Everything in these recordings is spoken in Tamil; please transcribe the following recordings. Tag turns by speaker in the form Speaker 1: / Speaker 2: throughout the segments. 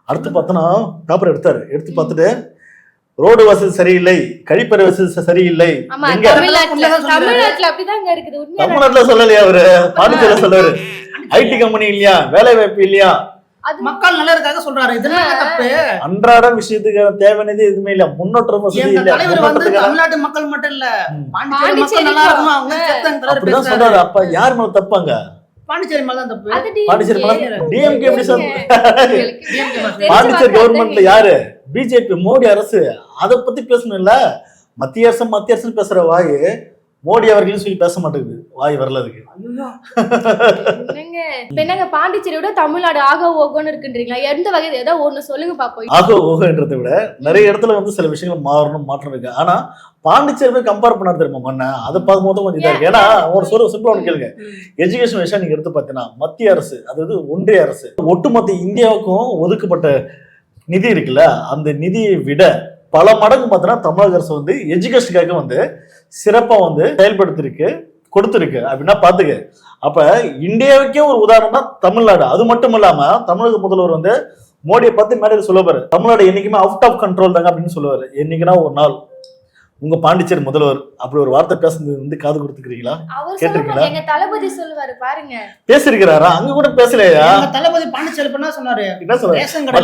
Speaker 1: அடுத்து பார்த்தோன்னா பேப்பர் எடுத்து பார்த்துட்டு ரோடு வசதி சரியில்லை, கழிப்பறை வசதி சரியில்லை. தமிழ்நாட்டுல சொல்லலையா அவரு? பாண்டிச்சேரியில சொல்றாரு. ஐடி கம்பெனி இல்லையா, வேலை வாய்ப்பு இல்லையா,
Speaker 2: மக்கள் நல்லதுக்காக சொல்றாரு. தப்பு.
Speaker 1: அன்றாட விஷயத்துக்கு தேவையானது எதுவுமே இல்ல. முன்னேற்றம் வசதி இல்ல.
Speaker 2: தமிழ்நாட்டு மக்கள் மட்டும் இல்ல, பாண்டிச்சேரி மக்கள் நல்லா இருக்கணும்
Speaker 1: அப்படிதான் சொல்றாரு. அப்ப யார் மேல தப்பாங்க?
Speaker 2: பாண்டிச்சேரி மேல தான் தப்பு.
Speaker 1: பாண்டிச்சேரி மேல டிஎம்கே எப்படி பாண்டிச்சேரி கவர்மெண்ட்ல யாரு? பிஜேபி, மோடி அரசு. அதை பத்தி பேசணும் இல்ல. மத்திய அரசு பேசுற வாய் மோடி அவர்களும் சொல்லி பேச மாட்டேங்குது. வாய் வரல அதுக்கு.
Speaker 3: என்னங்க பாண்டிச்சேரியோட தமிழ்நாடு ஆக ஓகோன்னு இருக்குன்றீங்களா? எந்த வகையில ஏதோ ஒண்ணு சொல்லுங்க பாப்போம்.
Speaker 1: ஆக ஓகோன்றதை விட நிறைய இடத்துல வந்து சில விஷயங்கள் மாற்றம் இருக்கு. ஆனா பாண்டிச்சேரி கம்பேர் பண்ண தெரியுமா மண்ண? அதை பார்க்கும்போது கொஞ்சம் இதா இருக்கு. ஏன்னா ஒரு சிம்பிளா ஒன்று கேளுங்க. எஜுகேஷன் விஷயம் நீங்க எடுத்து பார்த்தீங்கன்னா மத்திய அரசு, அதாவது ஒன்றிய அரசு, ஒட்டுமொத்த இந்தியாவுக்கும் ஒதுக்கப்பட்ட நிதி இருக்குல்ல, அந்த நிதியை விட பல மடங்கு பார்த்தீங்கன்னா தமிழக அரசு வந்து எஜுகேஷனுக்காக வந்து சிறப்பா வந்து செயல்படுத்திருக்கு, கொடுத்துருக்கு அப்படின்னா பாத்துக்க. அப்ப இந்தியாவுக்கே ஒரு உதாரணம் தான் தமிழ்நாடு. அது மட்டும் இல்லாம தமிழக முதல்வர் வந்து மோடியை பார்த்து மேடையில் சொல்லுவாரு, தமிழ்நாடு என்னைக்குமே அவுட் ஆஃப் கண்ட்ரோல் தாங்க அப்படின்னு சொல்லுவாரு. என்னைக்குன்னா ஒரு நாள் உங்க பாண்டிச்சேரி முதல்வர் அப்படி ஒரு வார்த்தை பேசுறது வந்து காது கொடுத்துக்கிறீங்களா? கேட்டிருக்கீங்களா?
Speaker 3: எங்க தளபதி சொல்லுவாரு பாருங்க.
Speaker 1: பேசிருக்கிறாரா? அங்க கூட பேசலையா?
Speaker 2: தளபதி பாண்டிச்சேரி பண்ணா சொன்னாரு.
Speaker 1: என்ன சொன்னாரு?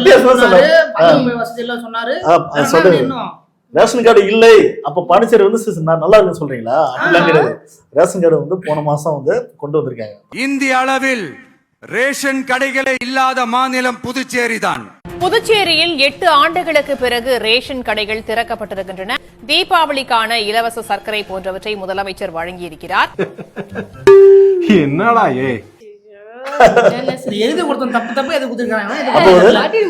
Speaker 1: ரேஷன் கார்டு இல்லை. அப்ப பாண்டிச்சேரி வந்து நல்லா இருக்குன்னு சொல்றீங்களா? அப்படிலாம் கிடையாது. ரேஷன் கார்டு வந்து போன மாசம் வந்து கொண்டு வந்திருக்காங்க.
Speaker 4: இந்திய அளவில் ரேஷன் கடைகளே இல்லாத மாநிலம் புதுச்சேரி தான்.
Speaker 5: புதுச்சேரியில் 8 ஆண்டுகளுக்கு பிறகு ரேஷன் கடைகள் திறக்கப்பட்டிருக்கின்றன. தீபாவளிக்கான இலவச சர்க்கரை போன்றவற்றை முதலமைச்சர் வழங்கியிருக்கிறார்.
Speaker 4: என்னடா
Speaker 2: எழுதி கொடுத்த தப்பு எது கொடுத்திருக்காங்க?